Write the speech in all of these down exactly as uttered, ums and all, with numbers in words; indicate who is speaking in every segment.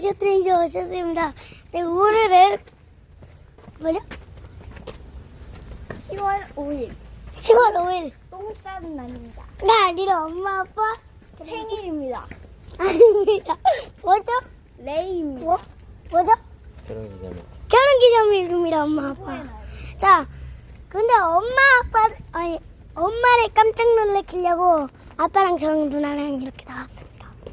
Speaker 1: 쇼트레인저 오셨습니다. 네, 오늘은 뭐죠?
Speaker 2: 시월 오일
Speaker 1: 시월 오일
Speaker 2: 똥 싸는 날입니다.
Speaker 1: 나 아니라 엄마 아빠
Speaker 2: 생일입니다.
Speaker 1: 아닙니다. 뭐죠?
Speaker 2: 레이입니다.
Speaker 1: 뭐? 뭐죠?
Speaker 3: 결혼기념일.
Speaker 1: 결혼기념일입니다. 엄마 아빠.
Speaker 2: 시월의 날.
Speaker 1: 자, 근데 엄마 아빠 아니 엄마를 깜짝 놀래키려고 아빠랑 저랑 누나랑 이렇게 나왔습니다.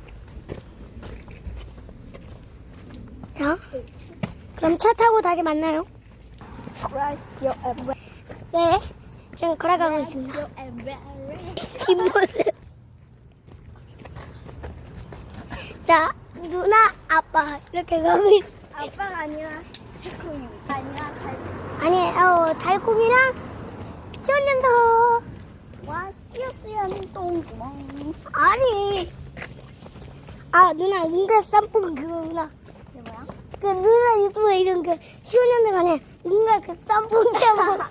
Speaker 1: 자, 그럼 차 타고 다시 만나요.
Speaker 2: Radio and
Speaker 1: 네, 지금 걸어가고 있습니다.
Speaker 2: Radio and Very.
Speaker 1: 뒷모습. 자, 누나, 아빠 이렇게 가고 있.
Speaker 2: 아빠가 아니라 새콤입니다. 아니라 달.
Speaker 1: 아니, 어, 달콤이랑 시원년도.
Speaker 2: 와 씨앗씨앗 똥구멍.
Speaker 1: 아니. 아, 누나 은가 쌈뽕 그거구나.
Speaker 2: 이게 뭐야?
Speaker 1: 그 누나 유튜브에 이런 그 시원년도 간에 은가 그 쌈뽕 잡아.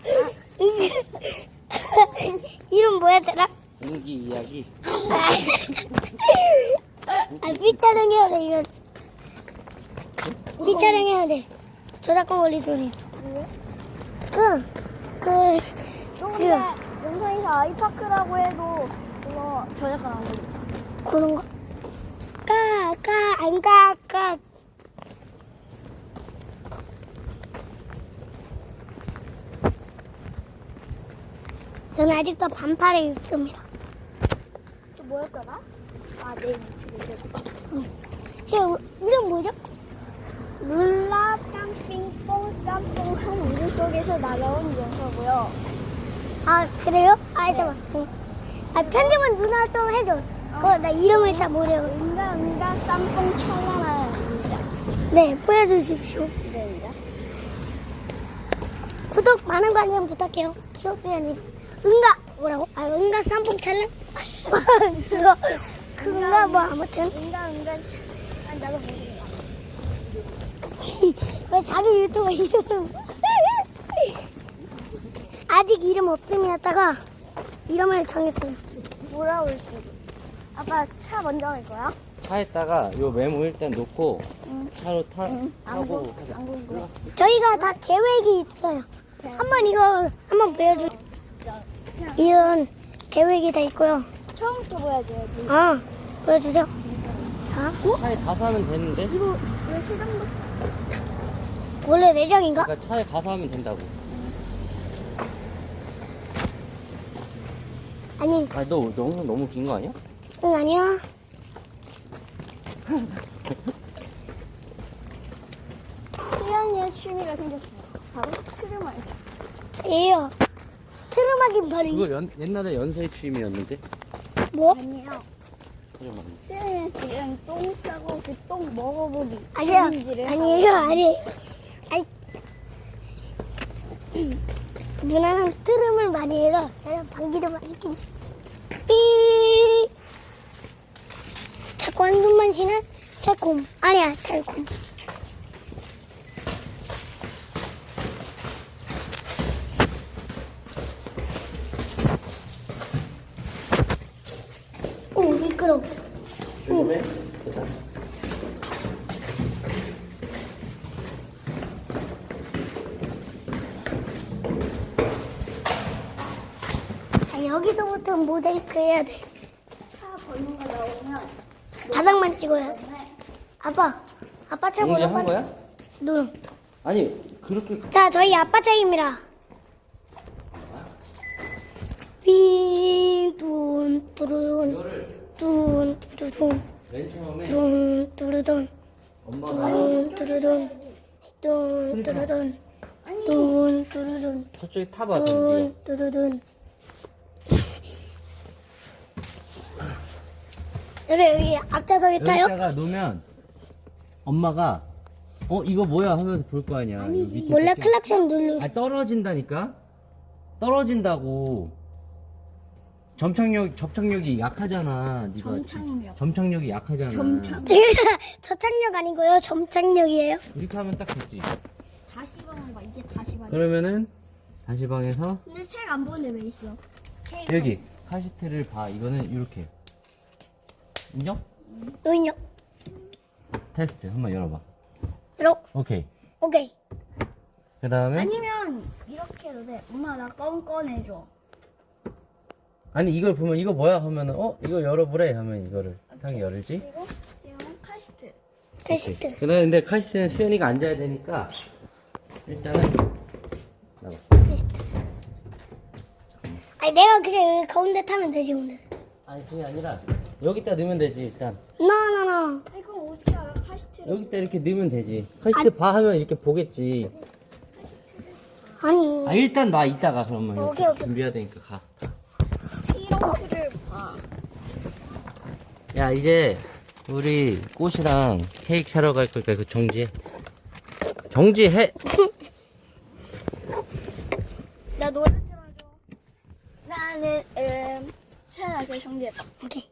Speaker 1: 이름 뭐였더라?
Speaker 3: 인기 이야기.
Speaker 1: 아, 삐촬영해야 돼, 이거. 삐촬영해야 돼. 저작권 걸리 소리.
Speaker 2: 왜?
Speaker 1: 그, 그,
Speaker 2: 또 근데 영상에서 아이파크라고 해도 그거 저작권 안 걸리죠.
Speaker 1: 그런 거. 까, 까, 안 까, 까. 저는 아직도 반팔에 입습니다.
Speaker 2: 또 뭐였더라? 아, 내 유튜브에.
Speaker 1: 형, 이름 뭐죠?
Speaker 2: 룰라 땀빙뽕 쌈뽕한 우주 속에서 날아온 연서고요.
Speaker 1: 아, 그래요? 아, 잠깐만. 아, 편집은 누나 좀 해줘. 그거 나 이름을 잘 모르고.
Speaker 2: 은가 은가 쌈뽕 찰나나입니다.
Speaker 1: 네, 보여주십시오.
Speaker 2: 입니다.
Speaker 1: 구독 많은 관심 부탁해요. 쇼스연이. 응가 뭐라고? 아, 응가 쌈뽕 찰랑? 그거 그건가 뭐 아무튼
Speaker 2: 은가 은가 아, 나도 모르겠다.
Speaker 1: 왜 자기 유튜브 이름을 아직 이름 없음이었다가 이름을 정했어요.
Speaker 2: 뭐라고 했어? 아빠 차 먼저 갈 거야?
Speaker 3: 차에다가 요 메모 일단 놓고
Speaker 2: 응.
Speaker 3: 차로 타,
Speaker 2: 안
Speaker 3: 타고
Speaker 2: 구-
Speaker 3: 하자.
Speaker 2: 안 궁금해.
Speaker 1: 저희가 다 계획이 있어요. 한번 이거 한번 보여줘.
Speaker 2: 진짜
Speaker 1: 이런 계획이 다 있고요.
Speaker 2: 처음부터 보여줘야지.
Speaker 1: 아, 보여주세요. 자,
Speaker 3: 차에 가서 하면 되는데?
Speaker 2: 이거 왜 세장도
Speaker 1: 원래 내장인가?
Speaker 3: 그러니까 차에 가서 하면 된다고.
Speaker 1: 아니,
Speaker 3: 아, 너 영상 너무 긴 거 아니야?
Speaker 1: 응 아니야.
Speaker 2: 수연이의 취미가 생겼어요. 바로 트름하기.
Speaker 1: 예요. 트름하긴 바로 이
Speaker 3: 그거 연, 옛날에 연세의 취미였는데?
Speaker 1: 뭐?
Speaker 2: 아니에요.
Speaker 3: 트름하기.
Speaker 2: 수연이는 지금 똥 싸고 그 똥 먹어보기
Speaker 1: 아니야.
Speaker 2: 챌린지를
Speaker 1: 아니에요,
Speaker 2: 하고
Speaker 1: 아니. 아니. 누나는 트름을 많이 해서 저는 방귀를 많이 낍. 삐. 자꾸 한숨만 쉬는 새콤. 아니야, 달콤. 오, 미끄러워.
Speaker 3: 조심해. 됐다.
Speaker 1: 자, 여기서부터 모자이크 해야 돼.
Speaker 2: 차 번호가 나오면
Speaker 1: 바닥만 찍어야 돼. 아빠, 아빠 차
Speaker 3: 공지
Speaker 1: 번호
Speaker 3: 한
Speaker 1: 빨리.
Speaker 3: 거야?
Speaker 1: 누.
Speaker 3: 아니, 그렇게.
Speaker 1: 자, 저희 아빠 차입니다. 윙, 둔, 뚜루둔,
Speaker 3: 이거를
Speaker 1: 둔, 뚜루둔,
Speaker 3: 맨 처음에
Speaker 1: 둔, 뚜루둔,
Speaker 3: 엄마가
Speaker 1: 둔, 뚜루둔, 둔, 뚜루둔, 둔, 뚜루둔,
Speaker 3: 저쪽에 타봐,
Speaker 1: 둔,
Speaker 3: 던지가.
Speaker 1: 뚜루둔. 저를 여기 앞좌석에 타요?
Speaker 3: 여기다가 놓으면 엄마가 어 이거 뭐야 하면서 볼 거 아니야.
Speaker 2: 아니지.
Speaker 3: 밑에
Speaker 1: 몰래
Speaker 3: 뜯겨.
Speaker 1: 클락션 누르.
Speaker 3: 아 떨어진다니까. 떨어진다고. 점착력 접착력이 약하잖아. 네가
Speaker 2: 점착력.
Speaker 3: 점착력이 약하잖아.
Speaker 2: 점착.
Speaker 1: 제가 저착력 아니고요, 점착력이에요.
Speaker 3: 이렇게 하면 딱 됐지.
Speaker 2: 다시 방을 봐. 이게 다시 방.
Speaker 3: 그러면은 다시 방에서
Speaker 2: 근데 책 안 보는데 왜 있어?
Speaker 3: 여기 카시트를 봐. 이거는 이렇게 인정?
Speaker 1: 노인력.
Speaker 3: 테스트 한번 열어봐.
Speaker 1: 이렇게.
Speaker 3: 오케이.
Speaker 1: 오케이.
Speaker 3: 그 다음에
Speaker 2: 아니면 이렇게 해도 돼. 엄마 나 껌 꺼내줘.
Speaker 3: 아니 이걸 보면 이거 뭐야 하면은 어 이거 열어보래 하면 이거를 당연히 열지.
Speaker 2: 그리고 이거는 카시트.
Speaker 1: 테스트.
Speaker 3: 그 다음에 근데 카시트는 수연이가 앉아야 되니까 일단은 나봐.
Speaker 1: 테스트. 아니 내가 그냥 여기 가운데 타면 되지 오늘.
Speaker 3: 아니 그게 아니라 여기다 넣으면 되지 일단.
Speaker 1: 나나나.
Speaker 2: 아니 그럼 어떻게 알아 카시트를?
Speaker 3: 여기다 이렇게 넣으면 되지. 카시트 봐 하면 이렇게 보겠지.
Speaker 1: 아니.
Speaker 3: 아 일단 놔 이따가 그러면
Speaker 1: 오케이,
Speaker 3: 이렇게
Speaker 1: 오케이.
Speaker 3: 준비해야 되니까 가.
Speaker 2: 트렁크를 봐.
Speaker 3: 야 이제 우리 꽃이랑 케이크 사러 갈 거니까 그 정지해. 정지해.
Speaker 2: 나 노래 틀어줘. 나는 음 세연아 그 정리해봐.
Speaker 1: 오케이.